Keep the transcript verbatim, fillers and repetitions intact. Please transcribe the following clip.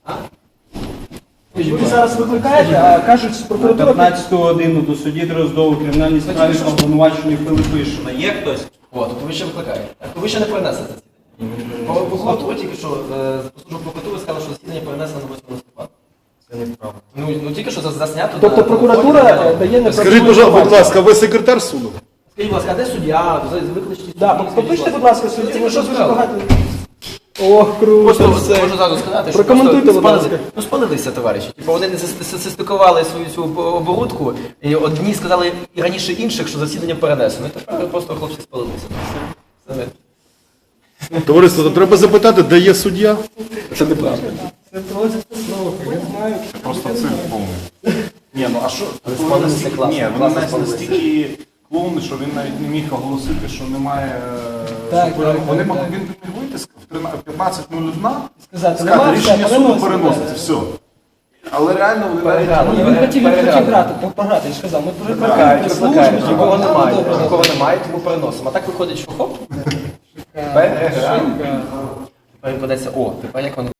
Ви зараз викликаєте, а кажуть, що На прокуратура... п'ятнадцяту годину до судді Дроздову кримінальній справі обвинувачений Пилипишина. Є хтось? О, тобто ви ще викликаєте. Так, то ви ще не перенесли засідання. Прокуратура тільки що, служба прокуратури сказала, що засідання перенесено на восьмого листопада. Це неправда. Ну, ну тільки що заснято. Тобто на- прокуратура на- дає неправдиву Скажіть, будь інформацію. ласка, ви секретар суду? Скажіть, будь ласка, а де суддя? Викличте суддю. Да, попишіть, будь ласка, судді, Тільки тому що що дуже сказали. багато... Ох, круто, Просто все. можу зразу сказати, що Прокоментуйте, просто будь ласка. спалили- Ну, спалилися, товариші. Типу, вони не состикували свою цю оборудку, і одні сказали і раніше інших, що засідання перенесено. І тепер просто хлопці спалилися. Все. Все. Товариство, то треба запитати, де є суддя? Це неправда. Це просто слухай, я знаю. Просто цирк повний. Ні, ну а що? Але Вони спалилися настільки- класно, Ні, вони класно навіть спалилися. настільки клоуни, що він навіть не міг оголосити, що немає... е, Так, що так, вони так, мог- так. Він міг вийти в тринадцять п'ятнадцять нуль один, Сказати, сказати, нема, рішення все, суду переноситься. переноситься, все. Але реально вони навіть... Переграли. Ні, він хотів, він хотів Переграли. грати, пограти, я ж казав, ми Викликають, викликаємо викликають. службу, Нікого типу, немає, добре, добре. нікого немає, тому переносимо. А так виходить, що хоп, переграли. Тепер відкладеться, о, тепер як вони